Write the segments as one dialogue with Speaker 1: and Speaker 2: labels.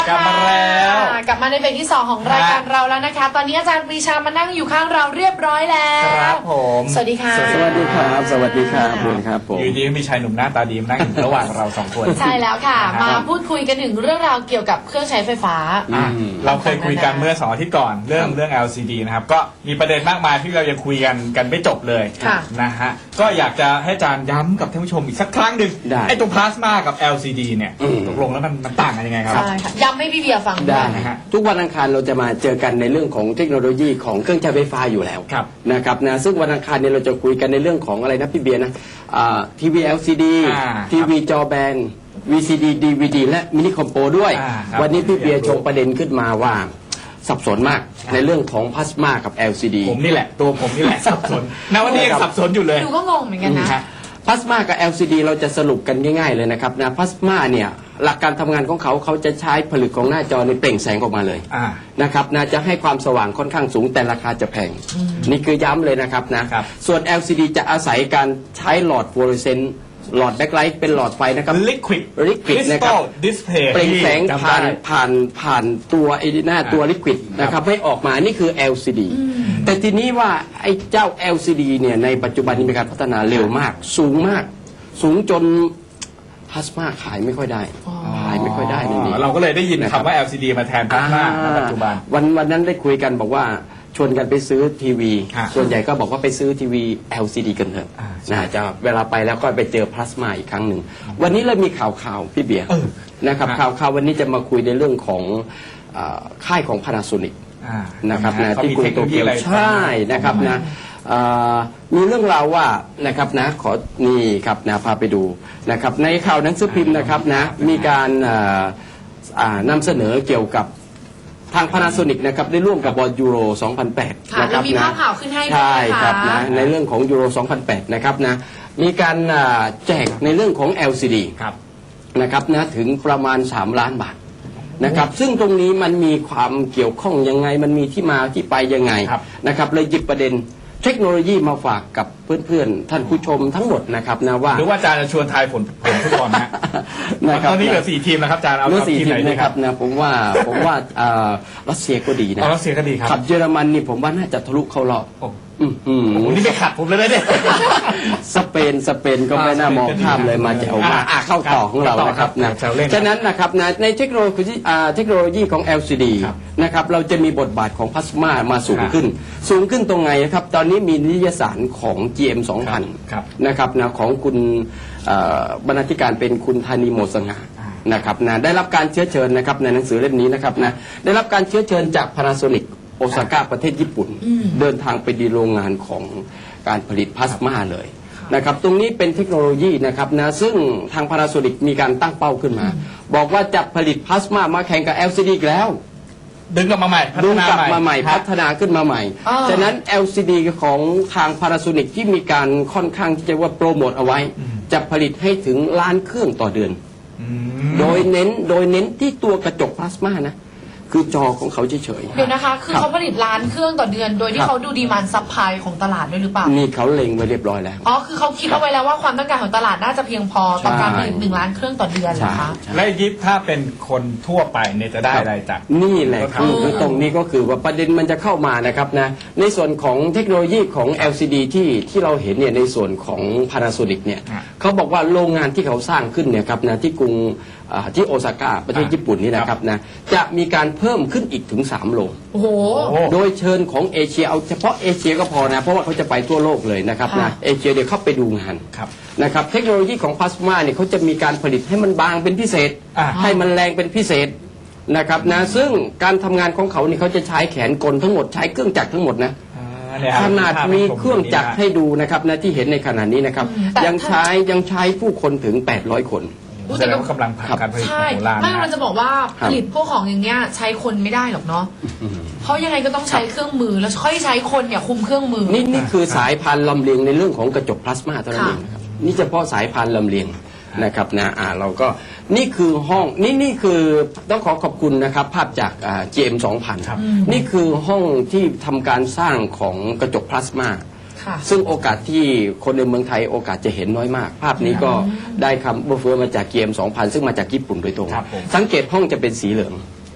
Speaker 1: กลับมาแล้ว
Speaker 2: กลับมาในเบรกที่ 2 ของรายการเราแล้วนะคะ ตอนนี้อาจารย์ปรีชามานั่งอยู่ข้างเราเรียบร้อยแล้ว
Speaker 1: ครับผม
Speaker 2: สวัสดีค่ะ
Speaker 3: สวัสดีครับสวัสดีครับคุณครับผม
Speaker 1: อยู่ดีมีชายหนุ่มหน้าตาดีมานั่งอยู่ระหว่างเราสองคน
Speaker 2: ใช่แล้วค่ะ
Speaker 1: ครับ
Speaker 2: มาพูดคุยกันถึงเรื่องราวเกี่ยวกับเครื่องใช้ไฟฟ้า
Speaker 1: เราเคยคุยกันเมื่อ2 อาทิตย์ก่อนเรื่อง LCD นะครับก็มีประเด็นมากมายที่เรายังคุยกันไม่จบเลย
Speaker 2: ค่ะ
Speaker 1: นะฮะก็อยากจะให้อาจารย์ย้ำกับท่านผู้ชมอีกสักครั้งหนึ่ง
Speaker 3: ได้
Speaker 1: ไอ้ตรงพลาสมากับ LCD เนี่ยตกลงแล้วมันต่างกันยังไงครับ
Speaker 2: ใช่ค่ะย้ำให้พี่เบียร์ฟัง
Speaker 3: ได้
Speaker 1: นะฮะ
Speaker 3: ทุกวันอังคารเราจะมาเจอกันในเรื่องของเทคโนโลยีของเครื่องใช้ไฟฟ้าอยู่แล้ว
Speaker 1: ครับ
Speaker 3: นะครับนะซึ่งวันอังคารเนี่ยเราจะคุยกันในเรื่องของอะไรนะพี่เบียร์นะทีวี LCD ทีวีจอแบน VCD DVD และมินิคอมโปด้วย
Speaker 1: ครับ
Speaker 3: วันนี้พี่เบียร์ชงประเด็นขึ้นมาว่าสับสนมากในเรื่องของพลาสมากับ LCD
Speaker 1: ผมนี่แหละตัวผมนี่แหละสับสนณวันนี้ยังสับสนอยู่เลย
Speaker 2: ดูก็งงเหมือนกันนะ
Speaker 3: พลาสมากับ LCD เราจะสรุปกันง่ายๆเลยนะครับนะพลาสมาเนี่ยหลักการทำงานของเขาจะใช้ผลึกของหน้าจอในเปล่งแสงออกมาเลย นะครับนะจะให้ความสว่างค่อนข้างสูงแต่ราคาจะแพงนี่คือย้ำเลยนะครับนะครับ ส่วน LCD จะอาศัยการใช้หลอดฟลูออเรสเซนต์หลอดแบ็คไลท์เป็นหลอดไฟนะครับ
Speaker 1: Liquid
Speaker 3: นะครับ
Speaker 1: Display
Speaker 3: เปล่งแสง
Speaker 1: จำ
Speaker 3: ผ่าน
Speaker 1: ได้
Speaker 3: ผ่านตัวไอ้หน้าตัวลิควิดนะครับให้ออกมานี่คือ LCD แต่ทีนี้ว่าไอ้เจ้า LCD เนี่ยในปัจจุบันนี้มีการพัฒนาเร็วมาก สูงมาก สูงจนพลาสมาขายไม่ค่อยได้ขายไม่ค่อยได้นี่
Speaker 1: เราก็เลยได้ยิน
Speaker 3: นะครับ
Speaker 1: คำว่า LCD มาแทนพลาสมาในปัจจุบัน
Speaker 3: วันนั้นได้คุยกันบอกว่าชวนกันไปซื้อทีวี
Speaker 1: ฮะ
Speaker 3: ส่วนใหญ่ก็บอกว่าไปซื้อทีวี LCD กันเถอะ
Speaker 1: ใช่
Speaker 3: จะเวลาไปแล้วก็ไปเจอพลาสมาอีกครั้งหนึ่งวันนี้เรามีข่าวพี่เบียร์นะครับ
Speaker 1: ฮะ
Speaker 3: ข่าววันนี้จะมาคุยในเรื่องของค่ายของ Panasonic นะครับนะ
Speaker 1: เขา
Speaker 3: ที่
Speaker 1: มี
Speaker 3: กรุ
Speaker 1: เท
Speaker 3: ง
Speaker 1: ค
Speaker 3: โต
Speaker 1: โนโลยี
Speaker 3: เกียว
Speaker 1: อะไร
Speaker 3: ใช่นะครับนะมีเรื่องราวว่านะครับนะขอนี่ครับนะพาไปดูนะครับในข่าวหนังสือพิมพ์นะครับนะมีการนำเสนอเกี่ยวกับทาง Panasonic นะครับได้ร่วมกับบอลยูโร 2008
Speaker 2: ค่ะ
Speaker 3: นะครับ
Speaker 2: มีภาพข่าวขึ้นให้ด้วย
Speaker 3: ใช่
Speaker 2: นะคะ
Speaker 3: ครับนะในเรื่องของยูโร 2008 นะครับนะมีการแจกในเรื่องของ LCD
Speaker 1: ครับ
Speaker 3: นะครับนะถึงประมาณ 3 ล้านบาทนะครับซึ่งตรงนี้มันมีความเกี่ยวข้องยังไงมันมีที่มาที่ไปยังไง
Speaker 1: ครับ
Speaker 3: นะครับเลยหยิบประเด็นเทคโนโลยีมาฝากกับเพื่อนๆ ท่านผู้ชมทั้งหมดนะครับนะว่า
Speaker 1: หรือว่าอาจารย์จะชวนทายผลฟุตบอลนะ
Speaker 3: นะครับ
Speaker 1: ตอนนี้เหลือ4 ทีมแล้วครับอาจารย์เอา
Speaker 3: เมื่อสี่
Speaker 1: ทีม
Speaker 3: ที
Speaker 1: ไหน
Speaker 3: ม
Speaker 1: ดี
Speaker 3: นะ
Speaker 1: ค
Speaker 3: ค
Speaker 1: รั
Speaker 3: รับ บนะผมว่ารัสเซียก็ดีนะ
Speaker 1: เอารัสเซียก็ดีครับ
Speaker 3: ขับเยอรมันนี่ผมว่าน่าจะทะลุเข้ารอบ
Speaker 1: โอ้
Speaker 3: อื้อหือ
Speaker 1: โหนี่ไม่ขัดผมเลยนะเนี่ย
Speaker 3: สเปนก็ไม่น่ามองข้ามเลยมาจะเอามาเข้าต่อของเรานะครับนะ
Speaker 1: แซวเล่น
Speaker 3: ฉะนั้นนะครับนะในเทคโนโลยีของ LCD
Speaker 1: ครับ
Speaker 3: นะครับเราจะมีบทบาทของพลาสมามาสูงขึ้น สูงขึ้นตรงไหนนะครับตอนนี้มีนิตยสารของ GM
Speaker 1: ครับ
Speaker 3: 2000นะครับนะของคุณบรรณาธิการเป็นคุณธานีโมสง่านะครับนะได้รับการเชื้อเชิญนะครับในหนังสือเล่มนี้นะครับนะได้รับการเชื้อเชิญจาก Panasonic โอซาก้าประเทศญี่ปุ่น เดินทางไปดีโรงงานของการผลิตพลาสมาเลยนะครับตรงนี้เป็นเทคโนโลยีนะครับนะซึ่งทาง Panasonic มีการตั้งเป้าขึ้นมา บอกว่าจะผลิตพลาสมามาแข่งกับ LCD อีกแล้ว
Speaker 1: ดึงกลับมาใหม่พั
Speaker 3: ดึ
Speaker 1: ฒ
Speaker 3: ง
Speaker 1: นาก
Speaker 3: ลับมาใหม่
Speaker 1: ค
Speaker 3: พั
Speaker 1: รับ
Speaker 3: ฒนาขึ้นมาใหม่ ฉะนั้น LCD ของทาง Panasonic ที่มีการค่อนข้างที่จะว่าโปรโมทเอาไว้ จะผลิตให้ถึงล้านเครื่องต่อเดือน โดยเน้นที่ตัวกระจกพลาสมานะคือจอของเขาเฉย
Speaker 2: เดี๋ยวนะคะ คือเขาผลิตล้านเครื่องต่อเดือน โดยที่เขาดูดีมานด์ซัพพลายของตลาดด้วยหรือเปล่า
Speaker 3: ๆนี่เขาเล็งไว้เรียบร้อยแล้ว
Speaker 2: อ๋อ คือเขาคิดเอาไว้แล้วว่าความต้องการของตลาดน่าจะเพียงพอต่อการผลิต
Speaker 3: ใช่
Speaker 2: 1 ล้านเครื่องต่อเดือนเหรอคะ
Speaker 1: และยิปถ้าเป็นคนทั่วไปเนี่ยจะได้อะไรจาก
Speaker 3: นี่แหละ
Speaker 1: ก็
Speaker 3: คือตรงนี้ก็คือว่าประเด็นมันจะเข้ามานะครับนะในส่วนของเทคโนโลยีของ LCD ที่เราเห็นเนี่ยในส่วนของ Panasonic เนี่ยเขาบอกว่าโรงงานที่เขาสร้างขึ้นเนี่ยครับนะที่กรุงที่โอซาก้าประเทศญี่ปุ่นนี่นะครับนะจะมีการเพิ่มขึ้นอีกถึง3 โรง
Speaker 2: โอ้โห
Speaker 3: โดยเชิญของเอเชียเอาเฉพาะเอเชียก็พอนะเพราะว่าเขาจะไปทั่วโลกเลยนะครับนะ
Speaker 2: ค่ะ
Speaker 3: เอเชียเดี๋ยวเข้าไปดูงาน
Speaker 1: ครับ
Speaker 3: นะครับเทคโนโลยีของพลาสมาเนี่ยเขาจะมีการผลิตให้มันบางเป็นพิเศษ ให้มันแรงเป็นพิเศษนะครับนะซึ่งการทำงานของเขาเนี่ยเขาจะใช้แขนกลทั้งหมดใช้เครื่องจักรทั้งหมดนะขนาดมีเครื่องจักรให้ดูนะครับนะที่เห็นในขณะนี้นะครับ
Speaker 2: แต่
Speaker 3: ยังใช้ผู้คนถึง800 คน
Speaker 1: แสดงว่ากำลังผลักการผลิต
Speaker 2: ใช่
Speaker 1: โหราณ
Speaker 2: ไม่มัน
Speaker 1: นะ
Speaker 2: จะบอกว่า
Speaker 3: ครั
Speaker 2: ผ
Speaker 3: บ
Speaker 2: ลิตพวกของอย่างเนี้ยใช้คนไม่ได้หรอกเนาะ เพราะยังไงก็ต้องใช้เครื่องมือแล้วค่อยใช้คนเนี่ยคุมเครื่องมือ
Speaker 3: นี่คือสายพันธุ์ลำเลียงในเรื่องของกระจกพลาสมาเท่านั้นเอง
Speaker 2: ค่ะ
Speaker 3: นะครับนี่เฉพาะสายพันธุ์ลำเลียงนะครับนะเราก็นี่คือห้องนี่คือต้องขอบคุณนะครับภาพจากGM 2000นี่คือห้องที่ทำการสร้างของกระจกพลาสมา
Speaker 2: ค่ะ
Speaker 3: ซึ่งโอกาสที่คนในเมืองไทยโอกาสจะเห็นน้อยมาก ภาพนี้ก็ได้คำเบอร์เฟือมาจากGM 2000ซึ่งมาจากญี่ปุ่นโดยตรง
Speaker 1: ครับผม
Speaker 3: สังเกตห้องจะเป็นสีเหลือง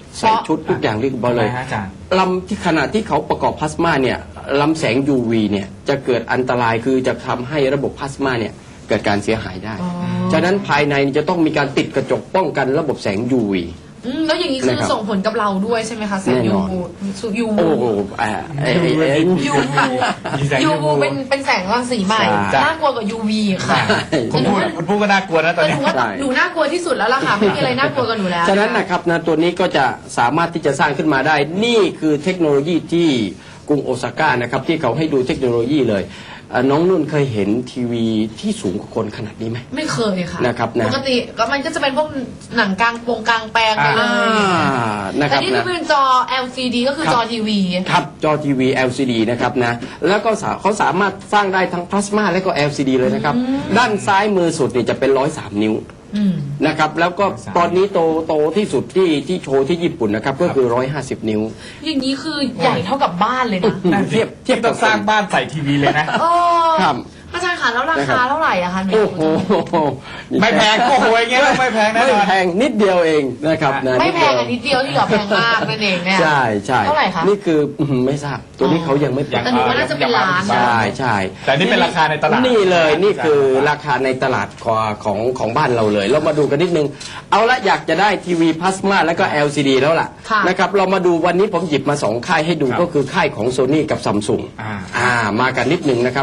Speaker 3: ใส่ชุดทุกอย่างเรียบร้อยเลย
Speaker 1: ทำไมฮะอาจารย์
Speaker 3: ลำที่ขณะที่เขาประกอบพลาสมาเนี่ยลำแสง UV เนี่ยจะเกิดอันตรายคือจะทำให้ระบบพลาสมาเนี่ยเกิดการเสียหายได้
Speaker 2: อ๋อ
Speaker 3: ฉะนั้นภายในจะต้องมีการติดกระจกป้องกันระบบแสง UV
Speaker 2: แล้วอย่างนี้คือ
Speaker 3: นะครับ
Speaker 2: ส่งผลกับเราด้วยใช่ไหมคะแสง
Speaker 3: แน่
Speaker 2: ยู
Speaker 3: นอน
Speaker 2: วูยู
Speaker 3: โอ้
Speaker 2: วู
Speaker 3: โห
Speaker 2: ยูวู
Speaker 1: มีแสง
Speaker 2: ยูวู
Speaker 1: UV
Speaker 2: เป็นแสงรังสีใหม่
Speaker 3: ใช่
Speaker 2: น่ากลัวกว่า UV ค่ะ
Speaker 1: คุณพูดก็น่ากลัวนะตอน
Speaker 2: แต่ห
Speaker 1: นี้
Speaker 2: นูว่าหนูน่ากลัวที่สุดแล้วล่ะค่ะไม่มีอะไรน่ากลัวกว่าหนูแล้ว
Speaker 3: ฉะนั้นนะครับนะตัวนี้ก็จะสามารถที่จะสร้างขึ้นมาได้ นี่คือเทคโนโลยีที่กรุงโอซาก้านะครับที่เขาให้ดูเทคโนโลยีเลยน้องนุ่นเคยเห็นทีวีที่สูงกว่าคนขนาดนี้ไหม
Speaker 2: ไม่เคยค่ะ
Speaker 3: นะครับนะ
Speaker 2: ปกติก็มันก็จะเป็นพวกหนังกลางกลางแปลงไปเลย
Speaker 3: นะค
Speaker 2: แต่
Speaker 3: รับ
Speaker 2: นี่คือ
Speaker 3: นะ
Speaker 2: เป็นจอ LCD ก็คือ
Speaker 3: ครับ
Speaker 2: จอทีวี
Speaker 3: ครับจอทีวี LCD นะครับนะแล้วก็เขาสามารถสร้างได้ทั้งพลาสมาและก็ LCD เลยนะครับ ด้านซ้ายมือสุดนี่จะเป็น103 นิ้ว
Speaker 2: อืม
Speaker 3: นะครับแล้วก็ตอนนี้โตที่สุดที่โชว์ที่ญี่ปุ่นนะครับก็คือ150 นิ้ว
Speaker 2: อย่างนี้คือใหญ่เท่ากับบ้านเลยนะ
Speaker 3: เทียบ
Speaker 1: ต้องสร้างบ้านใส่ทีวีเลยนะ
Speaker 2: โอ้
Speaker 3: ครับ
Speaker 2: อาจารย์คะแล้วรา
Speaker 3: นะครั
Speaker 2: คา
Speaker 3: บ
Speaker 2: เท่าไหร่อะคะหนู
Speaker 3: โอ้โห
Speaker 1: ไม่แพงโอ้โหอย่างเงี้ยไม่แพงแน่นอน
Speaker 3: ไม่แพงนิดเดียวเองนะครับนะ
Speaker 2: ไม่แพง
Speaker 3: ด
Speaker 2: อันนิดเดียวที่เหลือแพงมากนั่นเองเนี่ย
Speaker 3: ใช่ใช่
Speaker 2: เท่าไหร่คะ
Speaker 3: นี่คือไม่ทราบตัวนี้เขายังไม่ประ
Speaker 2: แต่หนูว่าน่าจะเป็นล้านนะ
Speaker 3: ใช่ใช่
Speaker 1: แต่นี่เป็นราคาในตลาด
Speaker 3: นี่เลยนี่คือราคาในตลาดของบ้านเราเลย เรามาดูกันนิดนึง เอาละอยากจะได้ทีวีพลาสมาแล้วก็ LCD แล้วล่ะ
Speaker 2: ค่ะ
Speaker 3: นะครับเรามาดูวันนี้ผมหยิบมาสองค่ายให้ดู
Speaker 1: ครับ
Speaker 3: ก็คือค่ายของ Sony กับ Samsung มากันนิดนึงนะครับ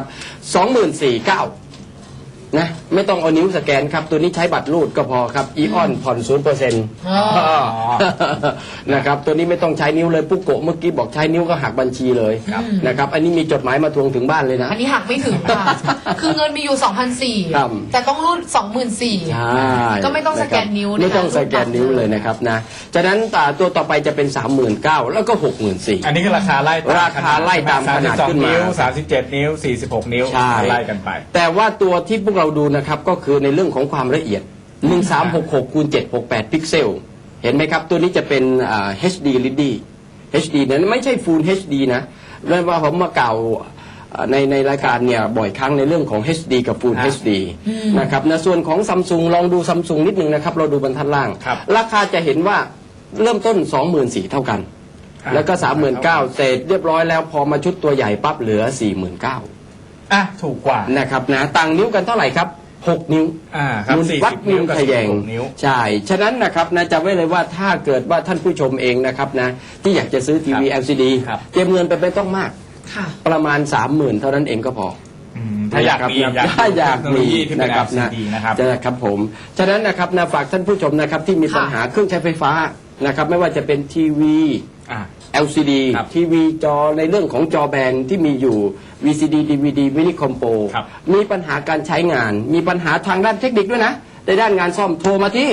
Speaker 3: 24,900นะไม่ต้องเอานิ้วสแกนครับ ตัวนี้ใช้บัตรรูดก็พอครับอีออนผ่อน 0%
Speaker 2: อ๋อ
Speaker 3: นะครับตัวนี้ไม่ต้องใช้นิ้วเลยปุ๊กโกะเมื่อกี้บอกใช้นิ้วก็หักบัญชีเลยนะครับอันนี้มีจดหมายมาทวงถึงบ้านเลยนะ
Speaker 2: อันนี้หักไม่ถึงค่ะ คือเงินมีอยู่
Speaker 3: ครับ
Speaker 2: 2,400แต่ต้องรูด 24,000
Speaker 3: ใช่
Speaker 2: ก็ไม่ต้องสแกนนิ้วนะคะ
Speaker 3: ไม่ต้องสแกนนิ้วเลยนะครับนะจากนั้นตัวต่อไปจะเป็น 39,000แล้วก็ 64,000
Speaker 1: อันนี้คือราคาไล่ตาม
Speaker 3: ราคาไล่ตามขนาดขึ้นมา
Speaker 1: 32 นิ้ว 37 นิ้ว 46 นิ้ว
Speaker 3: ใช่
Speaker 1: ไล่กันไป
Speaker 3: แต่ว่าตัวที่พวกเราดูนะครับก็คือในเรื่องของความละเอียด 1366คูณ768พิกเซล เห็นไหมครับ ตัวนี้จะเป็นHD LED HD นั้นไม่ใช่ Full HD นะเรื่องว่าผมมากล่าวในรายการเนี่ยบ่อยครั้งในเรื่องของ HD กับ Full
Speaker 1: ครับ
Speaker 3: HD นะครับในส่วนของ Samsung ลองดู Samsung นิดนึงนะครับ เราดูบรรทัดล่าง
Speaker 1: ครับ
Speaker 3: ราคาจะเห็นว่าเริ่มต้น 24,000เท่ากัน แล้วก็ 39,000เสร็จเรียบร้อยแล้วพอมาชุดตัวใหญ่ปั๊บเหลือ 49,000
Speaker 1: อ่ะถูกกว่า
Speaker 3: นะครับนะต่างนิ้วกันเท่าไหร่ครับ 6 นิ้ว
Speaker 1: ครับ
Speaker 3: มุนวัด
Speaker 1: 40 นิ้วกับ
Speaker 3: ทะแยง
Speaker 1: 16 นิ้ว
Speaker 3: ใช่ ฉะนั้นนะครับนะจำไว้เลยว่าถ้าเกิดว่าท่านผู้ชมเองนะครับนะที่อยากจะซื้อทีวี LCD
Speaker 1: ครับ
Speaker 3: เตรียมเงินไปไม่ต้องมาก
Speaker 2: ค่ะ
Speaker 3: ประมาณ 30,000 เท่านั้นเองก็พอ
Speaker 1: ถ้าอยากมี
Speaker 3: ถ้าอยาก
Speaker 1: เทคโนโล
Speaker 3: มี
Speaker 1: ยีที่เป็น
Speaker 3: นะครับ
Speaker 1: LCD นะครับ
Speaker 3: นะครับผมฉะนั้นนะครับนะฝากท่านผู้ชมนะครับที่มีปัญหาเครื่องใช้ไฟฟ้านะครับไม่ว่าจะเป็นทีวี
Speaker 1: อ่ะ
Speaker 3: LCD
Speaker 1: ครับ
Speaker 3: ทีวีจอในเรื่องของจอแบนที่มีอยู่ VCD DVD มินิคอมโป
Speaker 1: ครับ
Speaker 3: มีปัญหาการใช้งาน มีปัญหาทางด้านเทคนิคด้วยนะในด้านงานซ่อมโทรมาที่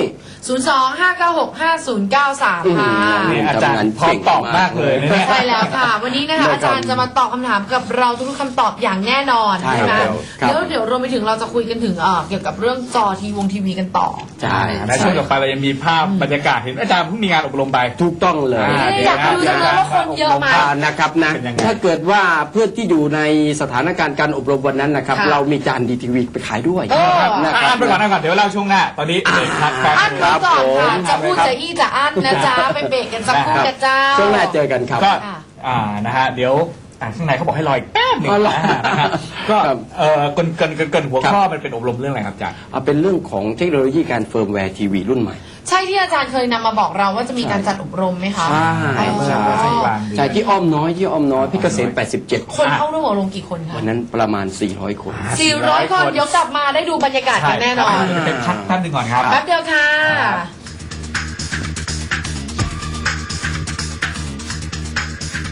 Speaker 2: 02-596-5093 ค่ะ
Speaker 1: นี่อาจารย์พร้อมตอบมากเลยนะเนี่ย
Speaker 2: ใช่แล้วค่ะ วันนี้นะคะอาจารย์จะมาตอบคำถามกับเราทุกๆคำตอบอย่างแน่นอน
Speaker 3: ใช่
Speaker 2: ใช่ไหม
Speaker 3: ครับ
Speaker 2: เดี๋ยวรวมไปถึงเราจะคุยกันถึงเกี่ยวกับเรื่องจอทีวีกันต่อ
Speaker 3: ใช่
Speaker 1: ในช่วงต่อไปเรายังมีภาพบรรยากาศเห็นอาจารย์เพิ่งมีงานอบรมไป
Speaker 3: ถูกต้องเลย
Speaker 2: อยากรู้จังเลยว่าคนเยอะไหม
Speaker 3: นะครับนะ
Speaker 1: เป็นยังไง
Speaker 3: ถ้าเกิดว่าเพื่อนที่อยู่ในสถานการณ์การอบรมวันนั้นนะครับ
Speaker 2: ค่ะ
Speaker 3: เรามีจานดีทีวีไปขายด้วย
Speaker 2: เออ
Speaker 3: นะค
Speaker 1: อ่า
Speaker 3: รั
Speaker 1: นไปก่อนเดี๋ยวเล่าช่วงหน้า ตอนนี้เด็กพักแป๊บ
Speaker 2: อัน
Speaker 1: นึง
Speaker 2: ไว้ก่อนค่ะ
Speaker 3: ครับผม
Speaker 2: จะพูดจะอี้จะอั้นนะจ๊ะไปเบรกกันสักครู่กับเจ้า
Speaker 3: ช่วงหน้าเจอกันครับ
Speaker 1: ก็
Speaker 2: ค่ะ
Speaker 1: นะฮะเดี๋ยวข้างในเขาบอกให้รออีกแป๊บหนึง
Speaker 3: อ๋อเหรอ
Speaker 1: นะฮะก็
Speaker 3: ครับ
Speaker 1: เกินหัวข้อมันเป็นอบรมเรื่องอะไรครับอาจารย์
Speaker 3: เป็นเรื่องของเทคโนโลยีการเฟิร์มแวร์ทีวีรุ่นใหม่
Speaker 2: ใช่ที่อาจารย์เคยนำมาบอกเราว่าจะมีการจัดอบรมไหมคะ
Speaker 3: ใช่
Speaker 2: อ๋อ
Speaker 1: ใช่กลางเดือน
Speaker 3: ใช่ที่อ้อมน้อยพี่เกษม87
Speaker 2: คนเข้าร่วมอบรมกี่คนคะ
Speaker 3: วันนั้นประมาณ 400 คน
Speaker 2: 400 คนเดี๋ยวกลับมาได้ดูบรรยากาศกันแน่นอน
Speaker 1: เป็นพักแป๊บนึงก่อนครับ
Speaker 2: แป๊บเดียวค่ะ